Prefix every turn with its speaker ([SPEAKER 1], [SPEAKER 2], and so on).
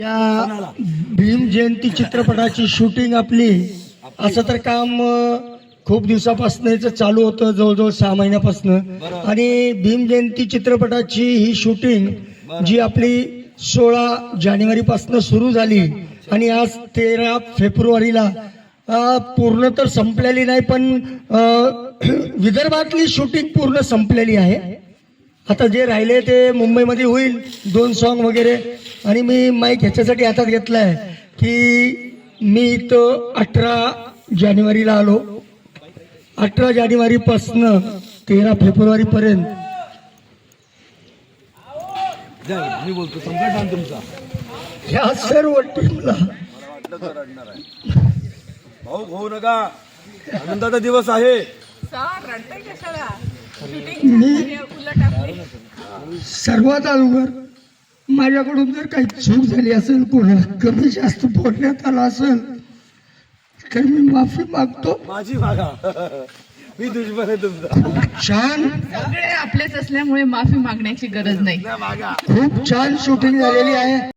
[SPEAKER 1] या भीम जयंती चित्रपटाची शूटिंग आपली असं तर काम खूप दिवसापासून चालू होतं, जवळजवळ 6 महिन्यापासून. आणि भीम जयंती चित्रपटाची ही शूटिंग जी आपली 16 जानेवारी पासून सुरू झाली आणि आज 13 फेब्रुवारीला पूर्ण तर संपलेली नाही, पण विदर्भातली शूटिंग पूर्ण संपलेली आहे. आता जे राहिले ते मुंबईमध्ये होईल, 2 सॉन्ग वगैरे. आणि मी माईक ह्याच्यासाठी हातात घेतलाय की मी इथं 18 जानेवारीला आलो. 18 जानेवारी पासून 13 फेब्रुवारी पर्यंत
[SPEAKER 2] मी बोलतो संकट तुमचा
[SPEAKER 1] ह्या सर्व टीमला
[SPEAKER 2] भाऊ होऊ नका, आनंदाचा दिवस आहे.
[SPEAKER 1] सर्वात अगोदर माझ्याकडून जर काही चूक झाली असेल, कोणाला कमी जास्त बोलण्यात आला असेल तर मी माफी मागतो.
[SPEAKER 2] माझी मागा, मी दुश्मन आहे तुमचा.
[SPEAKER 1] छान,
[SPEAKER 3] सगळे आपलेच असल्यामुळे माफी मागण्याची गरज नाही.
[SPEAKER 2] मागा.
[SPEAKER 1] खूप छान शूटिंग झालेली आहे.